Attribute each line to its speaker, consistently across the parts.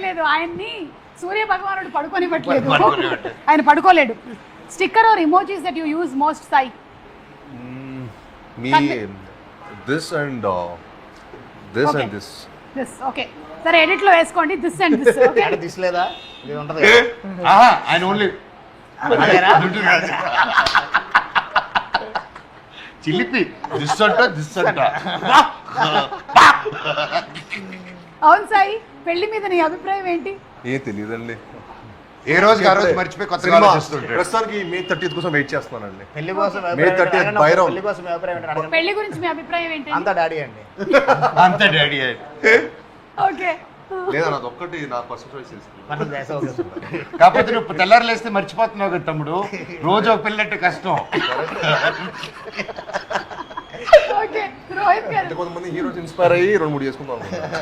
Speaker 1: లేదు, ఆయన్ని సూర్య భగవానుడు పడుకోనివ్వట్లేదు, ఆయన పడుకోలేడు. Sticker or emojis that you use most, Sai?
Speaker 2: మీ this and this and this.
Speaker 1: This okay, సరే ఎడిట్ లో వేసుకోండి this and this. Okay,
Speaker 3: this లేదా ఇది ఉంటది.
Speaker 2: ఆయన ఓన్లీ చిలిపి దిస్ అంట దిస్ అంట.
Speaker 1: అవును సాయి, పెళ్లి మీద నీ అభిప్రాయం ఏంటి?
Speaker 2: ఏ తెలియదండి,
Speaker 4: ఏ రోజుకి ఆ రోజు మర్చిపోయి కొత్తగా ఆలోచిస్తుంటాడు.
Speaker 2: ప్రస్తుతానికి మే 30th కోసం వెయిట్ చేస్తున్నానండి.
Speaker 3: పెళ్లి కోసం
Speaker 2: May 30th బైరం.
Speaker 3: పెళ్లి కోసం మీ అభిప్రాయం ఏంటి అడగండి.
Speaker 1: పెళ్లి గురించి మీ అభిప్రాయం ఏంటి?
Speaker 3: అంతా డాడీ అండి.
Speaker 4: అంతే డాడీ.
Speaker 1: ఓకే,
Speaker 2: లేదా నాది ఒక్కటి నా పర్సనల్ చాయిస్ తీసుకున్నాను.
Speaker 3: మనం వేసవ చేసుకుంటాం.
Speaker 4: కాకపోతే నువ్వు తెల్లారు లేస్తే మర్చిపోతున్నావు కదా తమ్ముడు, రోజు ఒక పిల్లంటే కష్టం.
Speaker 1: ఓకే, రోహిత్ గారు.
Speaker 2: అంటే కొంతమంది హీరోస్ ఇన్స్పైర్ అయ్యి 2-3 చేసుకుందాం.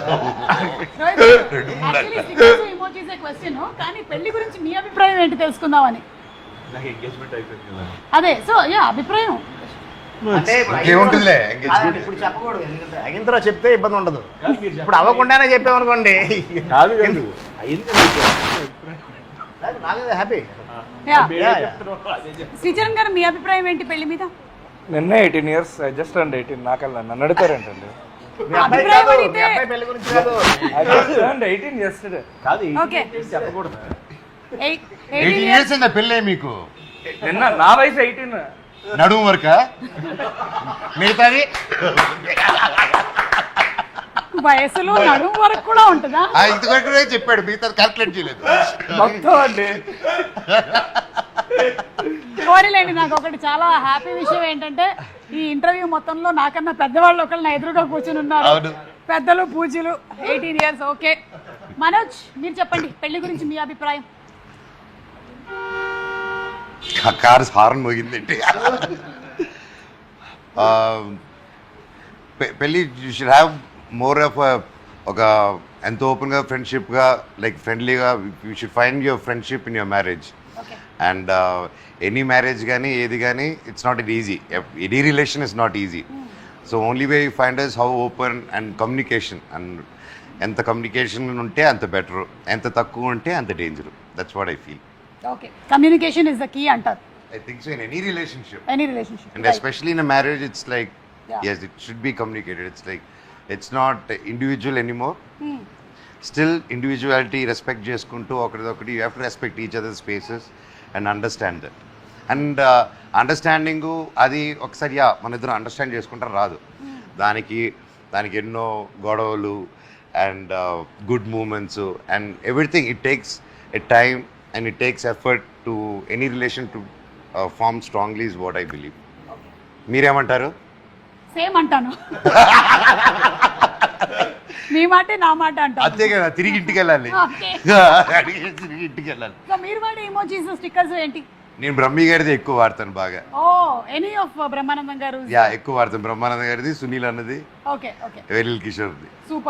Speaker 1: ఇమోజీస్ క్వశ్చన్, కానీ పెళ్లి గురించి మీ అభిప్రాయం ఏంటి తెలుసుకుందామని.
Speaker 2: నాకు ఎంగేజ్మెంట్ అయిపోయింది కదా.
Speaker 1: అదే, సో యా అభిప్రాయం.
Speaker 3: అంటే
Speaker 4: ఏముంటుందిలే
Speaker 3: అదండి, ఇప్పుడు చెప్పకూడదు, ఎందుకంటే అయిన తర్వాత చెప్తే ఇబ్బంది ఉండదు. ఇప్పుడు అవ్వకుండానే చెప్పామనుకోండి,
Speaker 2: కాదు కాదు
Speaker 3: నాదే హ్యాపీ.
Speaker 1: శ్రీచరణ్ గారు, మీ అభిప్రాయం ఏంటి పెళ్లి మీద?
Speaker 5: నిన్నే 18 years, జస్ట్ అండ్ 18. నాకల్లా నన్ను అడుగుతారేంటండి?
Speaker 3: మీ అబ్బాయి
Speaker 1: అభిప్రాయం
Speaker 3: కాదు,
Speaker 1: అడిగితే-
Speaker 3: మీ అబ్బాయి పెళ్లి గురించి కాదు.
Speaker 5: And 18 yesterday.
Speaker 1: ఓకే,
Speaker 2: చెప్పకూడదు.
Speaker 4: 18 years అయిందా పెళ్ళే మీకు?
Speaker 5: నిన్న నా వయసు 18.
Speaker 4: నడుము వరకా? మిగతాది
Speaker 1: వయసులో నడుము వరకు కూడా ఉంటుందా?
Speaker 4: ఇంతవరకు చెప్పాడు, మిగతాది క్యాల్కులేట్ చేయలేదు.
Speaker 5: మొత్తం అండి.
Speaker 1: కోరిలేండి, నాకు ఒకటి చాలా హ్యాపీ విషయం ఏంటంటే ఈ ఇంటర్వ్యూ మొత్తంలో నాకన్నా పెద్దవాళ్ళు ఒకళ్ళు నా ఎదురుగా కూర్చుని ఉన్నారు.
Speaker 4: అవును.
Speaker 1: పెద్దలు పూజలు, 18 years. ఓకే, మనోజ్ మీరు చెప్పండి పెళ్లి గురించి మీ అభిప్రాయం.
Speaker 4: కారు హార్న్ మోగిందండి. పెళ్ళి you should have more of ఒక ఎంతో ఓపెన్గా ఫ్రెండ్షిప్గా, లైక్ ఫ్రెండ్లీగా. You should find your friendship in your marriage.
Speaker 1: Okay,
Speaker 4: and any marriage కానీ ఏది కానీ it's not it easy. Any relation is not easy. So only way you find is how open and communication. And ఎంత communication ఉంటే అంత better, ఎంత తక్కువ ఉంటే అంత danger. That's what I feel.
Speaker 1: Okay, communication is the key అంటారు.
Speaker 4: I think so in any relationship.
Speaker 1: Any relationship,
Speaker 4: And especially in a marriage, it's like,
Speaker 1: Yeah.
Speaker 4: yes, it should be communicated. It's like, it's not individual anymore. Still, individuality, respect చేసుకుంటూ ఒకరిదొకటి, you have to respect each other's spaces and understand that. And understanding అది ఒకసారి మన ఇద్దరు understand చేసుకుంటారు రాదు. దానికి ఎన్నో గొడవలు and good moments and everything. It takes a time and it takes effort to any relation to form strongly is what I believe. మీరేమంటారు?
Speaker 1: సేమ్ అంటాను. మీ మాటే నా మాట అంటాను.
Speaker 4: అంతే కదా, తిరిగి ఇంటికి వెళ్ళాలి.
Speaker 1: Okay.
Speaker 4: తిరిగి ఇంటికి వెళ్ళాలి.
Speaker 1: సో మీరు వాడే ఇమోజీస్, స్టిక్కర్స్ ఏంటి?
Speaker 4: నేను బ్రహ్మి గారిది ఎక్కువ వాడతాను బాగా.
Speaker 1: ఓ, ఎనీ ఆఫ్ బ్రహ్మానందం గారు?
Speaker 4: యా, ఎక్కువ వాడతాను. బ్రహ్మానంద గారిది, సునీల్ అన్నది,
Speaker 1: ఓకే ఓకే,
Speaker 4: వెలిల్ కిషోర్ది.
Speaker 1: సూపర్.